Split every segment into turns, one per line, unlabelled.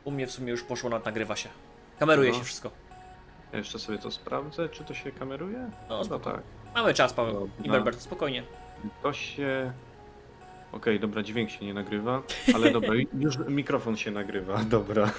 U mnie w sumie już poszło, nagrywa się. Kameruje
No.
się wszystko.
Ja jeszcze sobie to sprawdzę, czy to się kameruje?
No,
No
spoko.
tak.
Mamy czas, Paweł.
Dobra.
I Berbert, spokojnie.
To się... Okej, dobra, dźwięk się nie nagrywa, ale dobra, już mikrofon się nagrywa, dobra.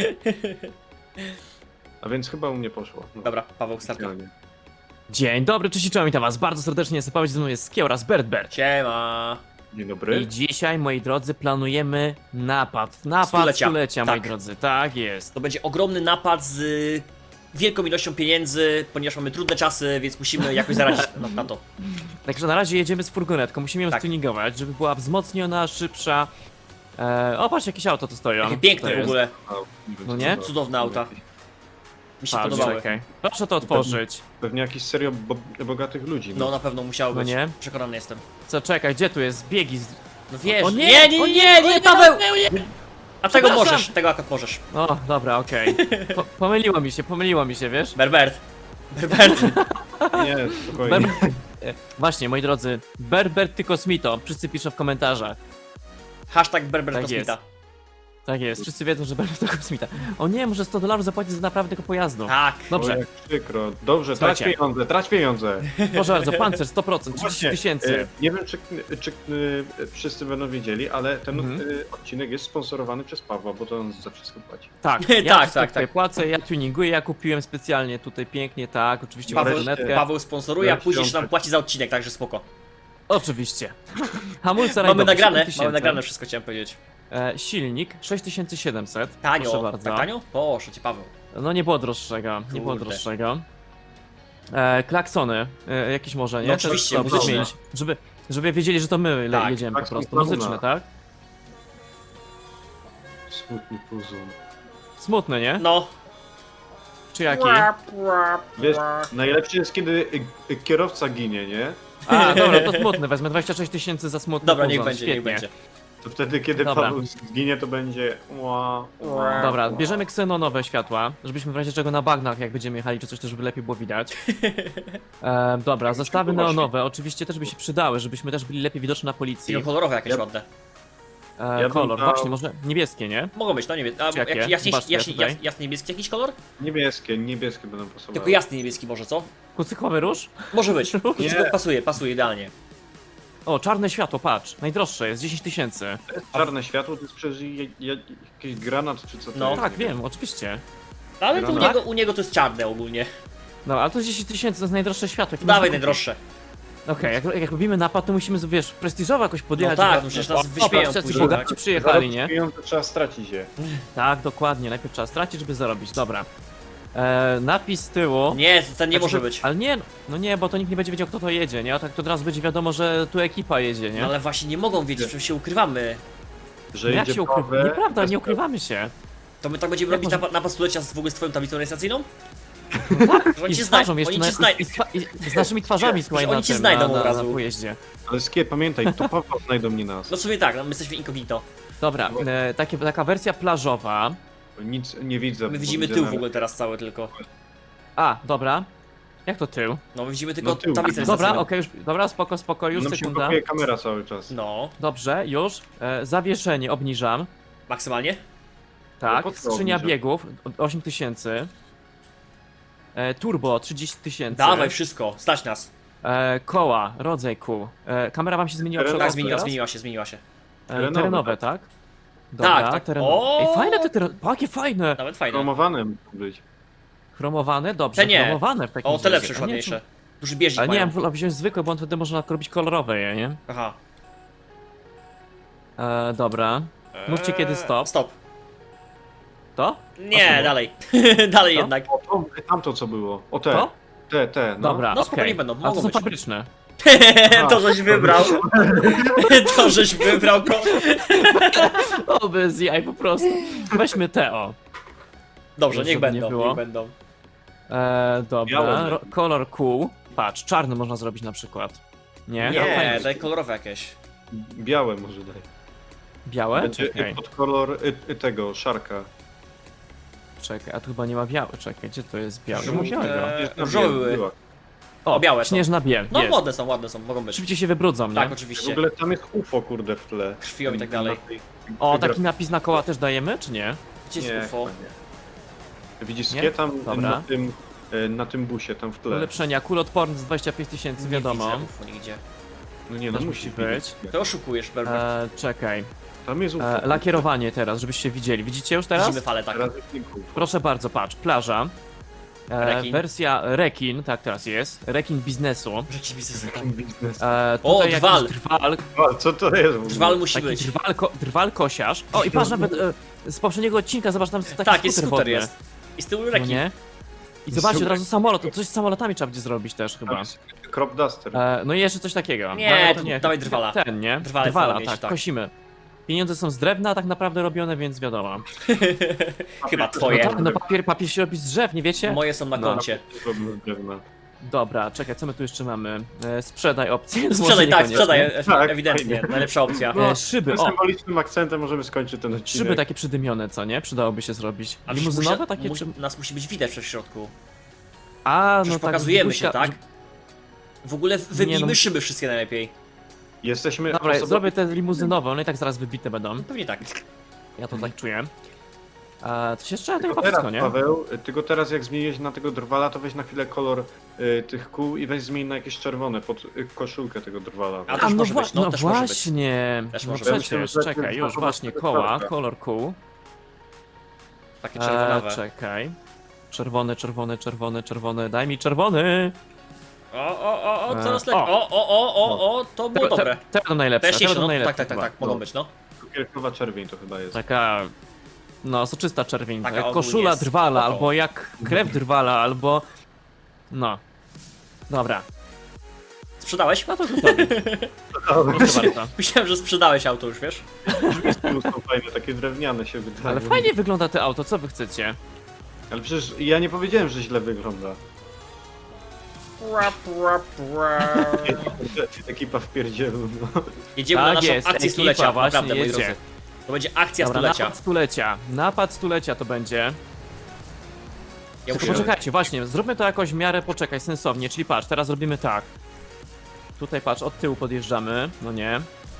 A więc chyba u mnie poszło. No,
Dobra, Paweł, startuj.
specjalnie.
Dzień dobry, cześć i czołem, witam was bardzo serdecznie, jestem Paweł, ze mną jest Skieł oraz Berbert.
Siema.
Dzień dobry.
I dzisiaj, moi drodzy, planujemy napad
Stulecia.
stulecia, moi
Tak.
drodzy, tak jest.
To będzie ogromny napad z wielką ilością pieniędzy, ponieważ mamy trudne czasy, więc musimy jakoś zaradzić na to.
Także na razie jedziemy z furgonetką, musimy ją
Tak.
stuningować, żeby była wzmocniona, szybsza. O, patrz, jakieś auto tu stoją.
Takie
To
piękne w
jest.
ogóle.
A, wiem,
No
co
nie?
to-
Cudowne auta. Mi się
Patrz,
podobały.
czekaj. Proszę to otworzyć.
Pewnie jakiś serio bogatych ludzi.
No na pewno musiało
No
być.
nie?
Przekonany jestem.
Co, czekaj, gdzie tu jest? Biegi z...
No wiesz.
O nie!
nie,
O
nie,
nie!
nie, nie,
O nie,
Paweł! A tego
Przepraszam.
możesz, tego akurat możesz.
O, dobra, okej. Pomyliło mi się, wiesz?
Berbert. Berbert.
Nie, spokojnie.
Właśnie, moi drodzy, Berbert ty Kosmito, wszyscy piszą w komentarzach.
Hashtag Berbert
Tak
Kosmita.
Tak jest, wszyscy wiedzą, że Berbert to Kosmita. O nie, może $100 zapłacić za naprawę tego pojazdu.
Tak.
O,
Dobrze,
jak przykro. Dobrze, trać
Słuchajcie.
pieniądze, trać pieniądze.
proszę bardzo, pancerz 100%, 30
Właśnie,
tysięcy.
Nie wiem, czy wszyscy będą wiedzieli, ale ten
Mhm.
odcinek jest sponsorowany przez Pawła, bo to on za wszystko płaci.
Tak,
Tak,
ja
tak,
tutaj
tak.
płacę, ja tuninguję, ja kupiłem specjalnie tutaj pięknie, tak, oczywiście
Paweł,
furgonetkę.
Paweł sponsoruje, a później się nam płaci za odcinek, także spoko.
Oczywiście. Hamulce
Mamy
rajdowe,
nagrane,
7000.
mamy nagrane wszystko, chciałem powiedzieć.
Silnik 6700. Proszę
Tanio,
bardzo.
tak tanio? Proszę cię, Paweł.
No nie było droższego, nie było
Kurde.
droższego. Klaksony, jakieś może, nie?
No
Też
oczywiście,
trzeba
muzyczne.
zmienić, żeby wiedzieli, że to my
Tak.
jedziemy po
Klakson
prostu.
Paula.
Muzyczne, tak?
Smutny puzon.
Smutne, nie?
No.
Czy jaki?
Wiesz, najlepsze jest, kiedy kierowca ginie, nie?
A, dobra, to smutne, wezmę 26 tysięcy za smutny
Dobra, niech
puzon,
będzie, niech
świetnie.
będzie.
To wtedy, kiedy
Dobra.
Paweł zginie, to będzie
Dobra, bierzemy ksenonowe światła, żebyśmy w razie czego na bagnach, jak będziemy jechali czy coś, to żeby lepiej było widać. Dobra, zestawy
właśnie.
neonowe oczywiście też by się przydały, żebyśmy też byli lepiej widoczni na policji.
Tylko kolorowe jakieś
Ja-
ładne.
Ja bym
Kolor,
dał-
właśnie, może niebieskie, nie?
Mogą być, no nie wiem. A
Czy jakie?
jak jaśniej,
Zobaczcie,
jaśniej,
tutaj.
jasny niebieski jakiś kolor?
Niebieskie będą pasowały.
Tylko jasny niebieski może, co?
Kucykłowy róż?
Może być.
Nie.
Pasuje idealnie.
O, czarne światło, patrz, najdroższe jest 10 tysięcy.
To jest czarne światło, to jest przecież jakiś granat, czy co to
No.
jest?
Tak,
nie
wiem, oczywiście.
Ale tu
Granat?
u niego to jest czarne ogólnie.
No, ale to jest 10 tysięcy, to jest najdroższe światło. jakie
Dawaj
można kupić.
najdroższe.
Okej, jak robimy napad, to musimy, wiesz, prestiżowo jakoś
No
podjechać.
tak,
żeby-
no przecież nas
O,
wyśmieją
patrz, jacy
później,
bogaci
tak?
przyjechali,
Zarobić
nie?
pieniądze trzeba stracić je.
Tak, dokładnie, najpierw trzeba stracić, żeby zarobić, dobra. Napis z tyłu.
Nie, ten nie
Tak,
może
żeby-
być.
Ale nie, no nie, bo to nikt nie będzie wiedział, kto to jedzie, nie? A tak to od razu będzie wiadomo, że tu ekipa jedzie, nie?
No ale właśnie nie mogą wiedzieć, przecież się ukrywamy.
Że
No jak
jedzie
się ukrywamy?
Paweł,
Nieprawda,
bez-
nie ukrywamy się.
To my tak będziemy
Jak
robić
może-
napad stulecia w ogóle z twoją tablicą rejestracyjną? Że oni
I
cię
z twarzą
znajdą,
jeszcze,
oni
na,
cię znajdą.
i z naszymi twarzami, słuchaj,
oni
na
cię
tym,
znajdą
na,
od razu.
na pojeździe.
Ale Skier, pamiętaj, to Paweł znajdą nie nas.
No w sumie tak, no my jesteśmy incognito.
Dobra, taka wersja plażowa.
Nic nie widzę.
My
bo
widzimy
widzę
tył w
nawet-
ogóle teraz cały tylko.
A, dobra. Jak to tył?
No my widzimy tylko
No tył.
tablicę
Dobra,
rejestracyjną.
okej, już, dobra, spoko, już
Nam się
sekunda.
blokuje kamera cały czas.
No,
Dobrze, już. Zawieszenie obniżam.
maksymalnie.
Tak,
po co
skrzynia
obniżasz?
biegów 8000. Turbo 30 tysięcy.
Dawaj wszystko, stać nas.
Koła, rodzaj kół. Kamera wam się zmieniła
Terenowe.
przy
Tak,
okazji
zmieniła
teraz?
się, zmieniła się.
Terenowe,
Terenowe, tak? Dobra,
Tak, tak.
terenowe.
O!
Ej, fajne te terenowe. Jakie fajne!
Nawet fajne.
Chromowane mógł być.
Chromowane? Dobrze,
Te nie.
chromowane w takim
O, te
razie.
lepsze już
A nie,
ładniejsze. Duży bieżnik
Ale nie, ja
mają.
bym wziąć zwykłe, bo on wtedy można robić kolorowe je, nie?
Aha.
Dobra. Mówcie kiedy stop.
Stop.
To?
Nie,
A,
dalej. dalej
Co?
jednak.
O, tamto co było. O te.
To?
Te, no.
Dobra,
No spokojnie
okej.
będą,
A to
mogą
są
być.
fabryczne.
To żeś wybrał. To żeś wybrał ko...
O, bez jaj po prostu. Weźmy te, o.
Dobrze,
Żeby
niech
nie
będą,
było.
niech będą.
Dobra,
Białe.
kolor kół. Patrz, czarny można zrobić na przykład. Nie? No,
Nie,
fajnie.
daj kolorowe jakieś.
Białe może daj.
Białe?
Będzie
Czekaj,
pod kolor tego, szarka.
czekaj, a tu chyba nie ma białe, czekaj, gdzie to jest białe?
Że
Nie ma
musi
białego.
być na
różowe
biel-
były.
była.
O,
białe są.
śnieżna biel,
No
jest.
ładne są, mogą być.
Szybciej się wybrudzą, nie?
Tak,
W
oczywiście.
ogóle tam jest UFO kurde w tle.
Krwią i tak dalej.
O, taki napis na koła też dajemy, czy nie?
Gdzie jest
Nie,
UFO?
chyba nie. Widzisz
Nie?
skie tam
Dobra.
na tym busie, tam w tle.
Ulepszenia, kulotporny z 25 000, wiadomo.
Nie widzę UFO nigdzie.
No nie, no
Też
musi
musi
być.
być.
To oszukujesz, Berber.
Czekaj.
Tam jest UFO.
Lakierowanie teraz, żebyście widzieli. Widzicie już teraz?
Widzimy falę, tak.
Teraz jest nie UFO.
Proszę bardzo, patrz, plaża.
Rekin.
Wersja rekin, tak teraz jest. Rekin biznesu.
Jakiś biznes, tak.
Biznes.
O,
Tutaj
drwal.
jakiś drwal,
A, co to jest w ogóle?
Drwal musi
taki
być.
drwal kosiarz. O, i patrz nawet z poprzedniego odcinka, zobacz, tam taki
Tak, jest
skuter
skuter
wodny.
jest. I z tyłu
No
rekin.
nie? I zobaczcie od razu samolot, to coś z samolotami trzeba będzie zrobić też chyba.
Crop duster.
No i jeszcze coś takiego.
Nie,
No, ale
to dawaj drwala.
Ten, nie?
Drwale
Drwala,
trzeba mieć,
tak,
tak.
kosimy. Pieniądze są z drewna tak naprawdę robione, więc wiadomo.
Chyba
No,
twoje.
tak, no papier się robi z drzew, nie wiecie?
Moje są na
No.
koncie.
Problem drewna.
Dobra, czekaj, co my tu jeszcze mamy? Sprzedaj opcję. Może
Sprzedaj, tak,
niekoniecznie.
sprzedaj,
Tak,
ewidentnie.
fajnie.
Najlepsza opcja.
Szyby,
Z
o!
symbolicznym akcentem możemy skończyć ten odcinek.
Szyby takie przydymione, co nie? Przydałoby się zrobić.
A
Limuzynowe takie czy...
Nas musi być widać w środku.
A,
Przecież
no tak.
pokazujemy się,
Gusia-
tak? W ogóle wybijmy
no-
szyby wszystkie najlepiej.
Jesteśmy
Dobra,
osobą-
zrobię te limuzynowe, one i tak zaraz wybite będą.
Pewnie tak.
Ja to tak czuję. To się jeszcze to
Tylko
chyba
teraz,
wszystko, nie?
Paweł, tylko teraz jak zmieniłeś na tego drwala, to weź na chwilę kolor tych kół i weź zmień na jakieś czerwone pod koszulkę tego drwala.
A też może być, no,
no
też może być.
właśnie.
Też
No
może
być.
przecież,
Myślę, że
czekaj,
to
już
jest
właśnie,
to
koła,
prawda.
kolor kół.
Takie czerwonawe.
Czekaj. Czerwony, czerwony, czerwony, czerwony, daj mi czerwony!
O, coraz lepiej. O, to było dobre.
Te będą najlepsze, te
Jaśniejsze,
będą
no.
najlepsze
Tak,
chyba.
mogą być, no.
Cukierkowa czerwień to chyba jest.
Taka, no, soczysta czerwień,
Taka
jak
ogólnie
koszula
jest
drwala,
spoko.
albo jak krew drwala, albo... No. Dobra,
Sprzedałeś?
no to gotowi. Proszę bardzo.
Myślałem, że sprzedałeś auto już, wiesz?
Są fajne, takie drewniane się wydają.
Ale fajnie wygląda to auto, co wy chcecie?
Ale przecież ja nie powiedziałem, że źle wygląda. Ekipa w pierdzielu, no.
Jedziemy
Tak
na naszą
jest,
akcję
ekipa
stulecia,
właśnie
naprawdę, moi
jedzie.
drodzy. To będzie akcja
Dobra,
stulecia.
napad stulecia. Napad stulecia to będzie.
Ja
Tylko
muszę...
poczekajcie, właśnie, zróbmy to jakoś w miarę, poczekaj, sensownie, czyli patrz, teraz robimy tak. Tutaj patrz, od tyłu podjeżdżamy, no nie.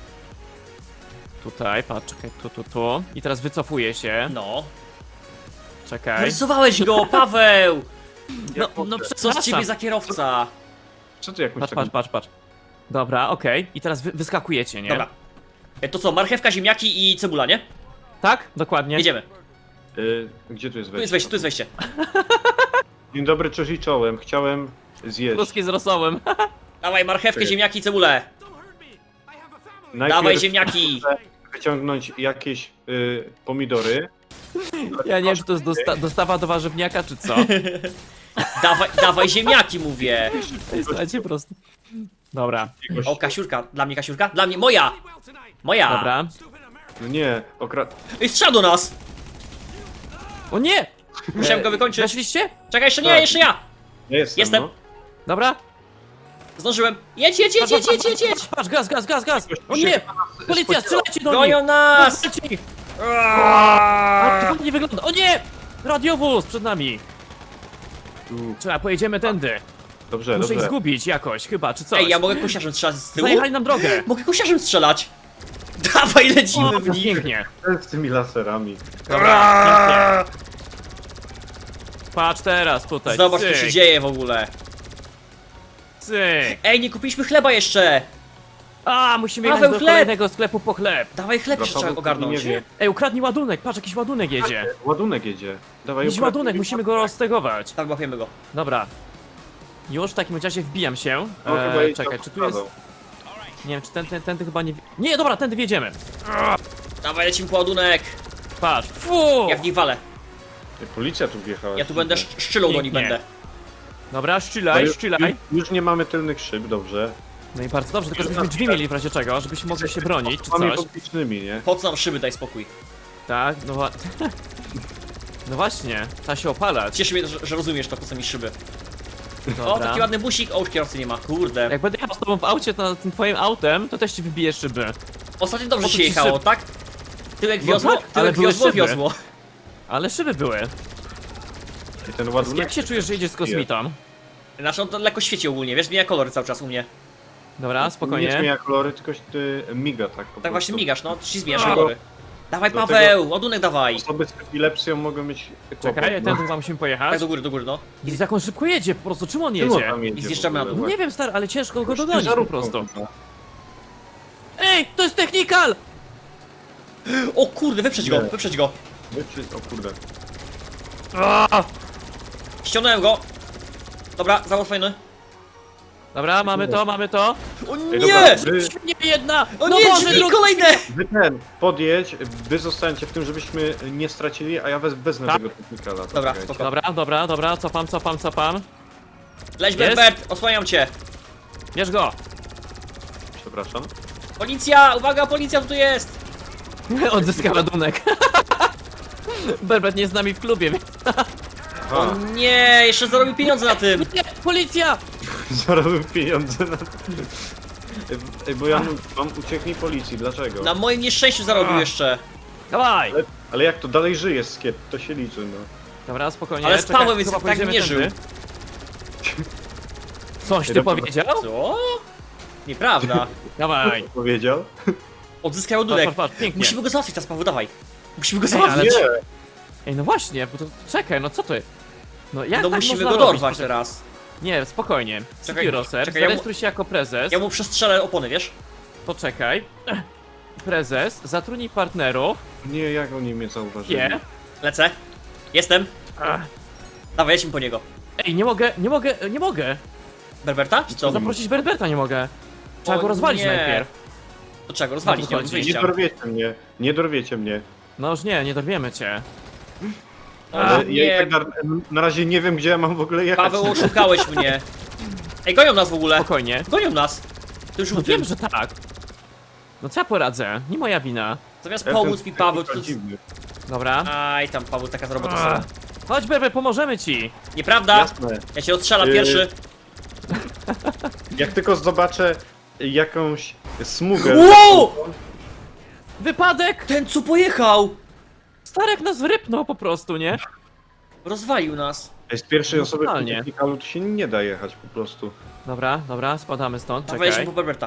Tutaj, patrz, czekaj, tu. I teraz wycofuję się,
No.
czekaj.
Narysowałeś go, Paweł!
No
Co z
przepraszam.
ciebie za kierowca?
Co ty jakąś
Patrz. Dobra, okej. I teraz wyskakujecie, nie?
Dobra. To co, marchewka, ziemniaki i cebula, nie?
Tak? Dokładnie.
Jedziemy.
Gdzie tu jest
Tu jest
wejście?
wejście, tu jest wejście.
Dzień dobry, cześć i czołem. Chciałem zjeść.
Kluski z rosołem.
Dawaj marchewkę,
Czekaj.
ziemniaki i cebulę.
Najpierw
Dawaj ziemniaki.
wyciągnąć jakieś pomidory.
Ja nie wiem, czy to jest dostawa do warzywniaka, czy co.
Dawaj ziemniaki, mówię.
Słuchajcie, po prostu. Dobra,
O, kasiurka. Dla mnie kasiurka? Dla mnie, moja! Moja!
dobra.
No nie,
Ej, strzał do nas!
O nie!
Musiałem go wykończyć.
Weszliście?
Czekaj, jeszcze nie,
Tak.
jeszcze ja! Jestem.
No.
Dobra.
Zdążyłem. Jedź!
Patrz, gaz! O nie! Policja, strzelajcie do nich!
Gonią nas!
Strzelajcie ich!
Aaaa!
To fajnie wygląda. O nie! Radiowóz przed nami.
Tu.
Trzeba, pojedziemy tędy.
Dobrze,
Muszę ich
dobrze.
zgubić jakoś, chyba, czy coś.
Ej, ja mogę kosiarzem strzelać z tyłu?
Zajechali nam drogę.
Mogę kosiarzem strzelać! Dawaj, lecimy w nich!
Pięknie.
Z tymi laserami.
Dobra, pięknie. Patrz teraz tutaj.
Zobacz, co
cyk,
się dzieje w ogóle.
Cyk.
Ej, nie kupiliśmy chleba jeszcze!
A, musimy jechać
Paweł,
do
chleb!
kolejnego sklepu po chleb.
Dawaj chleb jeszcze trzeba
Paweł,
ogarnąć.
nie wie.
Ej, ukradnij ładunek, patrz, jakiś ładunek jedzie.
Ładunek jedzie. Dawaj,
Jakiś ładunek, musimy go roztegować.
Tak, łapiemy go.
Dobra. Już w takim razie wbijam się.
No, chyba jedzie
Czekaj,
tam
czy tu jest...
Paweł.
Nie wiem, czy tędy chyba nie... Nie, dobra, tędy wjedziemy.
Dawaj, lecimy po ładunek.
Patrz, fu!
Ja w nich walę.
Policja tu wjechała.
Ja tu będę szczylą do nich
Pięknie.
będę.
Dobra,
No
szczylaj,
już,
szczylaj.
już nie mamy tylnych szyb, dobrze.
No i bardzo dobrze, tylko żebyśmy drzwi mieli w razie czego, żebyśmy mogli się bronić, czy
Mamy
coś.
publicznymi, nie?
Po co nam szyby, daj spokój.
Tak, no No właśnie, trzeba się opalać.
Cieszy mnie, że rozumiesz to, po co mi szyby. O,
Dobra.
taki ładny busik. O, już kierowcy nie ma, kurde.
Jak będę jechał z tobą w aucie, to tym twoim autem, to też ci wybiję szyby.
Ostatnio dobrze
Po co
się
ci
jechało,
szyby?
tak? Tyłek
No
wiozło,
tak, ale
tyłek
były
wiozło,
szyby.
wiozło.
Ale szyby były.
I ten ładunek...
Jak się czujesz, że jedziesz z kosmitą?
Znaczy on to lekko świeci ogólnie, wiesz, zmienia kolory cały czas u mnie.
Dobra,
Nie
spokojnie.
zmienia kolory, tylko miga tak po
Tak właśnie
prostu.
migasz, no, ci zmieniasz
No.
kolory. Dawaj
Dlatego-
Paweł, ładunek dawaj.
Osoby z epilepsją mogą mieć kłopot.
Czekaj,
no.
ten chyba musimy pojechać.
Tak do góry, no.
Widzisz, jak on szybko jedzie, po prostu, czym on
Czemu on
jedzie?
tam jedzie
I zjeżdżamy
w ogóle?
na dół.
No nie wiem, stary, ale ciężko go
Już
dogonić po
ciężarówką
prostu.
chyba.
Ej, to jest technikal!
O kurde, wyprzedź go,
Nie.
wyprzedź go.
O kurde.
Ściągnąłem go. Dobra, zawód fajny.
Dobra, mamy to, mamy to.
O
Ej,
nie!
dobra,
Świnie jedna!
O
No
nie,
Boże,
drzwi
drugi-
kolejne!
Podjedź, wy zostańcie w tym, żebyśmy nie stracili, a ja wezmę
Tak.
tego technikala. to
Dobra,
czekajcie.
spoko.
Dobra, cofam.
Leć
Jest?
Berbert, osłaniam cię.
Bierz go!
Przepraszam.
Policja, uwaga, policja tu jest.
Odzyska ładunek. Berbert nie jest z nami w klubie, więc...
A,
O nie, jeszcze zarobił pieniądze na tym.
Nie, policja!
zarobił pieniądze na... Ej, bo ja mam ucieknij policji, dlaczego?
Na moim nieszczęściu zarobił jeszcze.
Dawaj!
Ale jak to dalej żyje Skiet, to się liczy, no.
Dobra, spokojnie.
Ale z
czekaj,
Pawłem jest
chyba
tak
pojedziemy
nie żył.
tędy. Coś ty
Dobra.
powiedział?
Co? Nieprawda.
Dawaj.
Powiedział?
Odzyskaj ładunek.
Patrz, pięknie.
Musimy go załatwić teraz, Paweł, dawaj. Musimy go
Ej, ale-
załatwić.
Nie!
Ej, no właśnie, bo to czekaj, no co ty? No jak
No
tak
musimy
można
go
robić?
dorwać teraz.
Nie, spokojnie.
Czekaj,
Spiroser,
czekaj, ja mu-
zarejestruj się jako prezes.
Ja mu przestrzelę opony, wiesz?
Poczekaj. Prezes, zatrudnij partnerów.
Nie, jak oni mnie zauważyli?
Nie.
Lecę. Jestem.
Ach.
Dawaj, lecimy po niego.
Ej, nie mogę.
Berberta? Czy co?
Zaprosić Berberta nie mogę. Trzeba
O
go rozwalić
nie.
najpierw.
To trzeba go rozwalić, nie mam
Chodzi.
Nie
wyjścia.
dorwiecie mnie, nie dorwiecie mnie.
No już nie dorwiemy cię.
Ale
O
ja i
nie,
tak na razie nie wiem, gdzie ja mam w ogóle jechać.
Paweł, oszukałeś mnie. Ej, gonią nas w ogóle.
Spokojnie.
Gonią nas. Ty już
No
mówiłem,
wiem, że tak. No co ja poradzę? Nie moja wina.
zamiast
Ja
pomóc
ten
mi Paweł, to...
technikal dziwny.
Dobra.
Aj, tam Paweł, taka robota
Ach.
sobie.
Chodź Berbert, pomożemy ci.
Nieprawda?
Jasne.
Ja cię odstrzelam
Yy,
pierwszy.
Jak tylko zobaczę jakąś smugę...
Wow!
Wypadek!
Ten co pojechał!
Starek nas wyrypnął po prostu, nie?
Rozwalił nas.
Ej, z pierwszej osoby w tym
Normalnie.
technikalu tu się nie da jechać po prostu.
Dobra, spadamy stąd,
Dawaj,
czekaj.
po Berberta.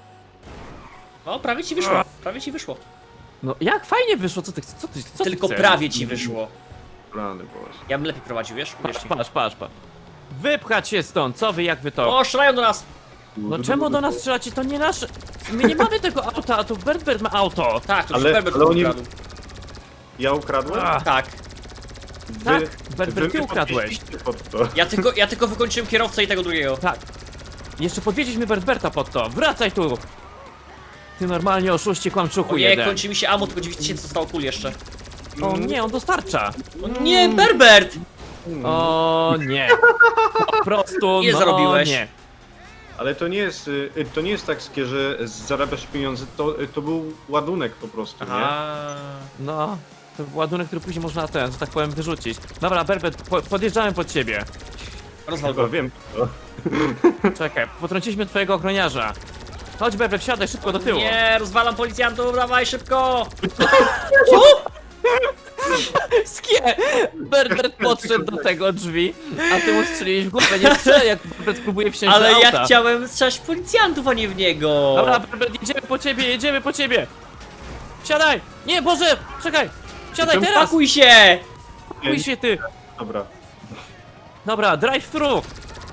O, prawie ci wyszło, prawie ci wyszło.
No jak fajnie wyszło, co ty
Tylko
chcesz?
prawie ci wyszło.
Plany, boże.
Ja bym lepiej prowadził, wiesz? Uwierz
Patrz.
mi.
Wypchać się stąd, co wy, jak wy to?
O, strzelają do nas!
No czemu do nas strzelacie, to nie nasze... My nie mamy tego auta, a tu Berbert ma auto.
Tak, to już
Ale-
Berbert
ale oni-
ukradł.
Ja ukradłem?
Ach.
Tak.
Wy,
Tak, Berbert, ty
mnie
ukradłeś.
podwieźliście pod to.
Ja tylko wykończyłem kierowcę i tego drugiego.
Tak. Jeszcze podwiedzieliśmy Berberta pod to. Wracaj tu! Ty normalnie oszuście kłamczuchu
Ojej,
jeden.
kończy mi się ammo, tylko 9000 zostało kul jeszcze.
O nie, on dostarcza.
O nie, Berbert!
O nie. Po prostu,
Ile
no
zarobiłeś?
nie.
Ale to nie jest tak, Skie, że zarabiasz pieniądze, to był ładunek po prostu, nie?
Aha.
No, to był ładunek, który później można ten, że tak powiem, wyrzucić. Dobra, Berbert, podjeżdżamy pod ciebie.
Rozwal
Chyba
go.
wiem to.
Czekaj, potrąciliśmy twojego ochroniarza. Chodź Berbert, wsiadaj szybko do tyłu.
Nie, rozwalam policjantów, dawaj szybko! Co?
Skie! Berbert podszedł do tego drzwi, a ty mu strzeliłeś w głowę. Nie strzelaj, jak Berbert próbuje wsiąść
Ale
do auta.
ja chciałem strzelać policjantów, a nie w niego!
Dobra, Berbert, jedziemy po ciebie! Wsiadaj! Nie, Boże! Czekaj! Wsiadaj teraz!
Pakuj się!
Pakuj się ty!
Dobra.
Dobra, drive through!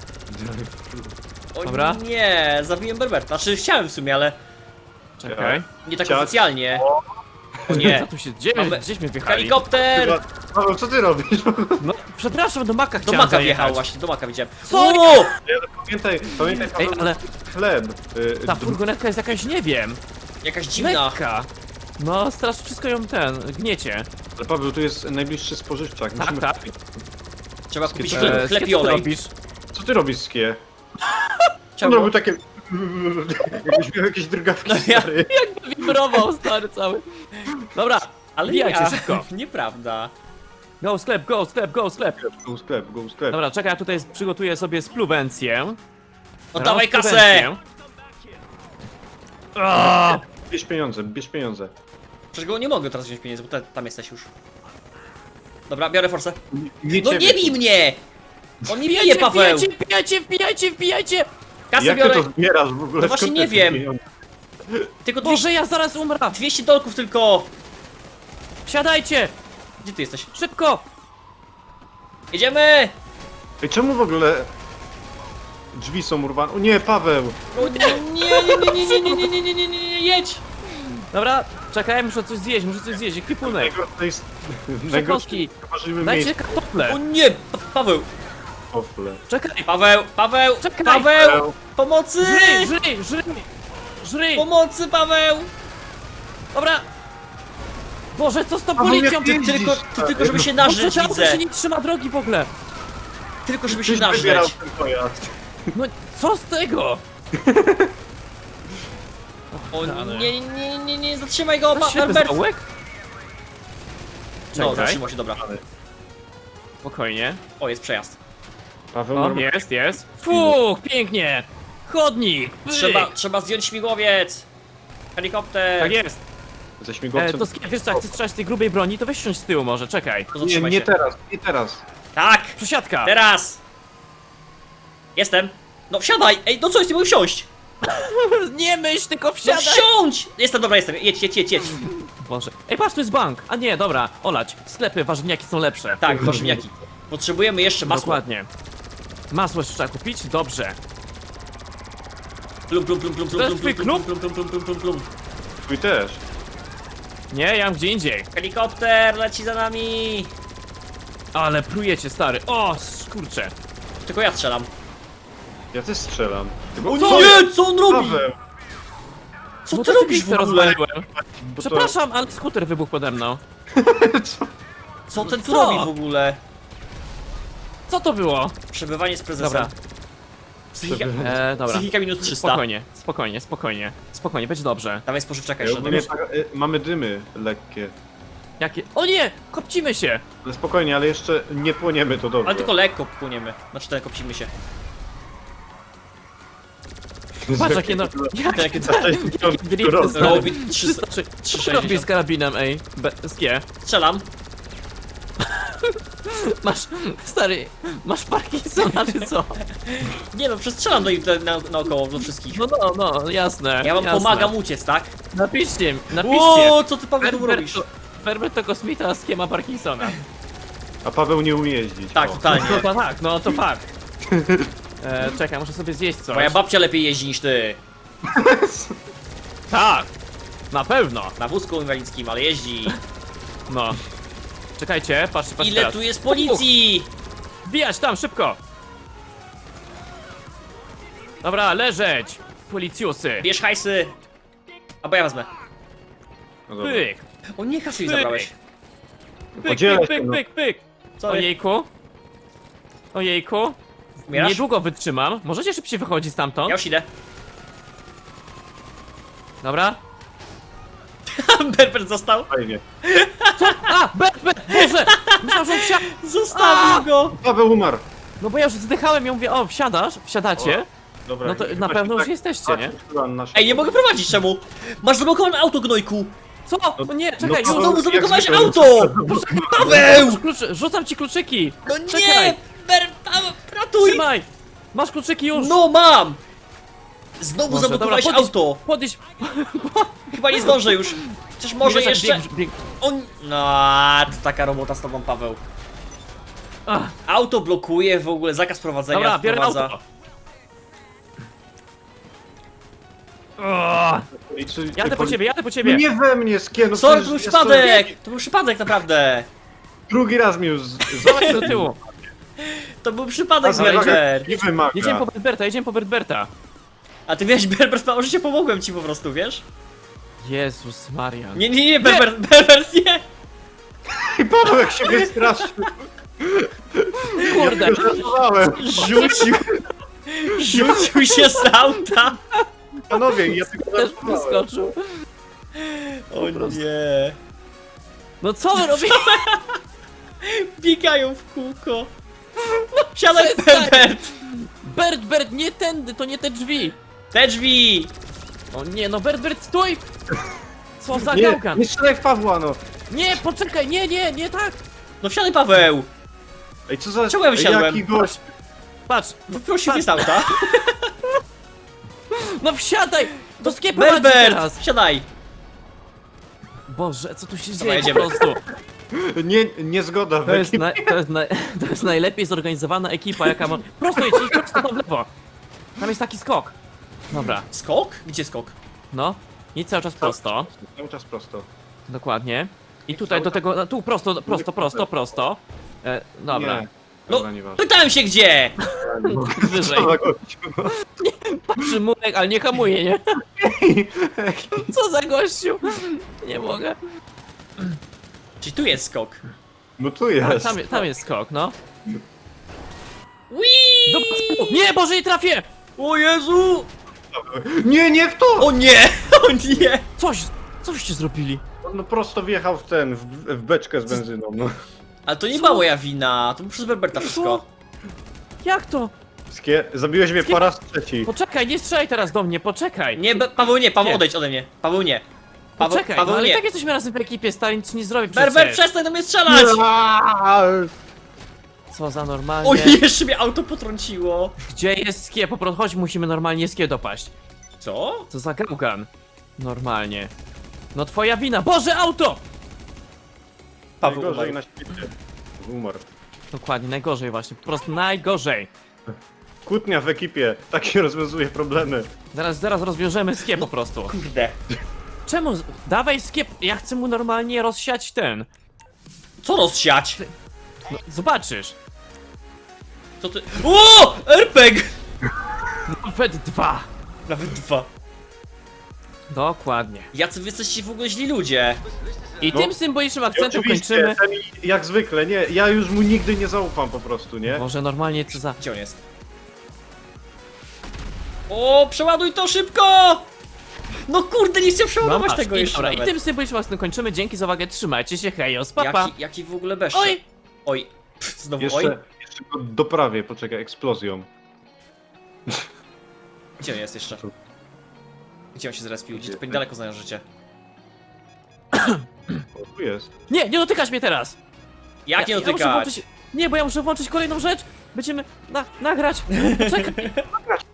O
Dobra.
nie, zabiłem Berberta. Znaczy chciałem w sumie, ale
Czekaj.
nie tak
Ciach.
oficjalnie. O
Co
nie.
tu się dzieje?
Mamy-
Gdzieśmy wjechali?
Helikopter!
Paweł, co ty robisz?
No, przepraszam, do Maka
Do
chciałem
Maka
zajechać.
wjechał właśnie, do Maka widziałem.
Sorry!
O!
Pamiętaj,
Ej,
Paweł,
ale
chleb.
ta furgonetka jest jakaś, nie wiem,
Jakaś dziwna.
lekka. No, strasz wszystko ją gniecie.
Ale Paweł, tu jest najbliższy spożywczak.
Tak,
Musimy...
tak.
Trzeba kupić
Skie,
chleb
Skie,
i
co ty
olej.
robisz?
Co ty robisz, Skie? On
Trzeba
robił takie... Jakbyś miał jakieś drgawki,
No ja-
stary.
Wibrował stary cały. Dobra,
Ale
wbijajcie
ja.
szybko.
Nieprawda.
Go sklep.
Go sklep, go sklep.
Dobra, czekaj, ja tutaj przygotuję sobie spluwencję.
Oddawaj kasę!
Spluwencję. O!
Bierz pieniądze.
Przecież go nie mogę teraz wziąć pieniędzy, bo tam jesteś już. Dobra, biorę forsę.
Nie
No
ciebie.
nie bij mnie! On nie bije, Paweł!
Wbijajcie!
Kasę
Jak ty
biorę,
to zbierasz w ogóle?
No właśnie
Skąd
nie
te
wiem.
pieniądze?
tylko 200,
Boże, ja zaraz umrę!
200 dolków tylko!
Wsiadajcie!
Gdzie ty jesteś?
Szybko!
Jedziemy!
Ej, czemu w ogóle drzwi są urwane? O nie, Paweł!
O nie, jedź!
Dobra, czekaj, muszę coś zjeść, ekwipunek.
To jest
Przekąski.
możliwe
Dajcie
miejsce
kartofle.
O nie! Paweł!
w ofle.
Czekaj,
Paweł!
Czekaj.
Paweł! Pomocy!
żryj!
Pomocy, Paweł!
Dobra! Boże, co z tą
Paweł,
policją?
jak jeździsz,
Ty tylko żeby się
Boże,
nażyć,
to auto
widzę.
się nie trzyma drogi w ogóle.
Tylko żeby się
Ktoś wybierał
nażyć.
ten pojazd.
No, co z tego?
O nie, zatrzymaj go,
To ślepy
Albert!
zaułek?
No,
Czekaj.
zatrzymał się, dobra.
Spokojnie.
O, jest przejazd.
Paweł,
O,
normalnie-
jest. Fuch, pięknie! Chodnik! Pyk.
Trzeba zdjąć śmigłowiec! Helikopter!
Tak jest.
ze śmigłowcem.
To wiesz co, jak chcesz strzelać z tej grubej broni, to weź siądź z tyłu może, czekaj.
To
Nie,
zatrzymaj
nie
się.
teraz, nie teraz.
Tak!
Przesiadka!
Teraz! Jestem! No wsiadaj! Ej, no co jest, nie mogę wsiąść!
Nie myśl, tylko
No
wsiadaj!
wsiądź! Jestem, dobra, jestem. Jedź.
Boże. Ej, patrz, to jest bank! A nie, dobra, olać. Sklepy, warzywniaki są lepsze.
Tak, warzywniaki. Potrzebujemy jeszcze masła.
Dokładnie. Masło jeszcze trzeba kupić? Dobrze.
Plum.
To jest twój klub?
Plum.
Twój też.
Nie, ja mam gdzie indziej.
Helikopter leci za nami!
Ale prujecie, stary. O, skurcze.
Tylko ja strzelam.
Ja też strzelam. Tylko
O
co
nie, co on robi?
Paweł?
Co
Bo
ty
to
robisz w
pizzę
ogóle?
rozwaliłem.
Bo to-
Przepraszam, ale skuter wybuchł pode mną.
Co ten tu
Co?
robi w ogóle?
Co to było?
Przebywanie z prezesem.
Dobra.
Psychika,
Dobra.
psychika minus 300.
Spokojnie, będzie dobrze.
Dawaj spożywczaka
Ej,
jeszcze.
ogólnie tak, mamy dymy lekkie.
Jakie... O nie! Kopcimy się!
Ale spokojnie, ale jeszcze nie płoniemy, to dobrze.
Ale tylko lekko płyniemy. Znaczy ten kopcimy się.
Patrz jakie no...
Jakie
drifty
No,
stary.
300.
Co robisz z karabinem, ej? Z G.
Strzelam.
Masz... Stary... Masz Parkinsona czy co?
Nie no, przestrzelam naokoło do wszystkich.
No, jasne.
Ja wam
jasne.
pomagam uciec, tak?
Napiszcie.
Ło, co ty Paweł tu robisz?
Berber to kosmita, z kim ma Parkinsona.
A Paweł nie umie jeździć.
Tak,
o.
totalnie.
No to tak, no to fakt. Czekaj, muszę sobie zjeść coś.
Moja babcia lepiej jeździ niż ty.
Tak! Na pewno!
Na wózku inwalidzkim, ale jeździ.
No. Czekajcie, patrzcie
Ile
teraz.
tu jest policji?
Wbijać tam, szybko! Dobra, leżeć! Policjusy!
Bierz hajsy. Albo ja wezmę.
No dobra.
Pyk!
O nie, kasy mi
Pyk.
zabrałeś.
Pyk,
Podzielę
pyk,
się,
pyk,
no.
pyk, pyk!
Sorry.
Ojejku! Ojejku!
Umierasz?
Niedługo wytrzymam. Możecie szybciej wychodzić stamtąd?
Ja już idę.
Dobra?
Berber został.
Fajnie.
A! Berber! Boże! Myślałem, że on wsiadł!
Zostawił go.
Paweł umarł.
No bo ja już zdychałem i ja mówię, o, wsiadasz? Wsiadacie?
Dobra.
No to
chyba
na pewno
się
już
tak-
jesteście, nie?
Ej, nie mogę prowadzić, czemu? Masz zablokowane auto, gnojku.
Co? O nie, czekaj,
no
już!
Znowu
jak
zablokowałeś
zwykle.
auto. Paweł!
Rzucam ci kluczyki!
No nie!
Czekaj.
Paweł, ratuj!
Trzymaj! Masz kluczyki już!
No mam! Znowu
Boże,
zablokowałeś
dobra, podnieś-
auto.
Podnieś...
Chyba nie zdążę już. Chociaż może
Biegł,
jeszcze...
biegł.
On... No, to taka robota z tobą, Paweł.
Ach,
Auto blokuje w ogóle, zakaz prowadzenia
dobra, biorę
wprowadza.
auto! O,
I czy-
jadę po ciebie, jadę po ciebie!
Nie we mnie, skie, no
Sorry,
przecież
to był
ja
przypadek! To był przypadek naprawdę!
Drugi raz mi już
Zobacz do tyłu!
To był przypadek,
Dobra,
Berber!
nie wymaga.
Jedziemy po Berberta!
A ty miałeś Berber, mało, że cię pomogłem ci po prostu, wiesz?
Jezus Maria!
Nie, Berber, nie!
I Paweł jak się wystraszył.
Kurde!
Ja żartowałem.
Rzucił się z auta!
Panowie, ja tylko
Też
żartowałem.
wyskoczył!
O nie!
No co wy robicie?
Biegają w kółko! Siadaj,
Przestań!
Berbert!
Bert, nie tędy, to nie te drzwi!
Te drzwi!
O nie, no Bert, stój! Co za
Nie,
gałgan!
nie strzelaj w Pawła, no.
Nie, poczekaj, nie tak!
No wsiadaj, Paweł!
Ej, co za...
Czemu ja wysiadłem?
Jaki gość.
Patrz!
Wyprosił mnie z auta.
No wsiadaj! Do skiepu chodź
Berbert!
teraz!
Siadaj!
Boże, co tu się
Dobra,
dzieje
jedziemy.
po prostu?
Nie zgoda,
To jest, to jest najlepiej zorganizowana ekipa, jaka ma... Prosto idź prosto tam w lewo. Tam jest taki skok. Dobra,
Skok? Gdzie skok?
no. Idź cały czas prosto.
Cały czas prosto.
Dokładnie. I tutaj do tego, tu prosto. Dobra,
Nie.
No,
Dobra, nieważne.
pytałem się gdzie!
wyżej.
Co za gościu, no.
Patrzy Murek, ale nie hamuje, nie? Co za gościu? Nie mogę.
Czyli tu jest skok.
No tu jest.
Tam jest skok, no.
Whee!
Dobra. Nie, Boże, nie trafię!
O Jezu!
Nie w to!
O nie! O nie!
Coście zrobili?
No prosto wjechał w ten, w beczkę z benzyną, no.
Ale to nie była moja wina, to było przez Berberta wszystko.
Jak to?
Zabiłeś mnie po raz trzeci.
Poczekaj, nie strzelaj teraz do mnie, poczekaj.
Nie, Paweł nie, Paweł
Nie.
odejdź ode mnie. Paweł nie.
Poczekaj, no
Paweł
ale i
nie.
tak jesteśmy razem w ekipie, stary, nic ci nie zrobię
Berber,
przecież.
przestań do mnie strzelać!
Co za normalnie.
O, jeszcze mnie auto potrąciło.
Gdzie jest skie? Po prostu chodź, musimy normalnie skie dopaść.
Co?
Co za gałgan. Normalnie. No twoja wina. Boże, auto!
Paweł
Najgorzej
umarł.
na świecie. Umarł.
Dokładnie, najgorzej właśnie, po prostu najgorzej.
Kłótnia w ekipie, tak się rozwiązuje problemy.
Zaraz rozwiążemy skie po prostu.
Kurde.
Czemu? Dawaj skie, ja chcę mu normalnie rozsiać ten.
Co rozsiać?
No, zobaczysz.
Co ty... O! RPG!
Nawet 2.
Nawet 2.
Dokładnie.
Jacy wy jesteście w ogóle źli ludzie.
I
No.
tym symbolicznym
I
akcentem
oczywiście,
kończymy.
ten jak zwykle, nie, ja już mu nigdy nie zaufam po prostu, nie?
Może normalnie co za...
Gdzie on jest? O, przeładuj to szybko! No kurde, nie chcę przeładować
masz.
tego
I,
jeszcze
dobra, i
nawet.
tym symbolicznym akcentem kończymy. Dzięki za uwagę, trzymajcie się, hejos, papa.
Jaki w ogóle beszcz?
Oj!
Oj. Pff, znowu
Jeszcze,
oj.
jeszcze go doprawię, poczekaj, eksplozją.
Gdzie on jest jeszcze?
Tu.
Gdzie on się zrespił? Gdzie to
Gdzie?
pewnie daleko znają życie.
O, tu jest.
Nie dotykasz mnie teraz!
Jak nie
muszę
dotykać?
włączyć... Nie, bo ja muszę włączyć kolejną rzecz. Będziemy nagrać. Czekaj.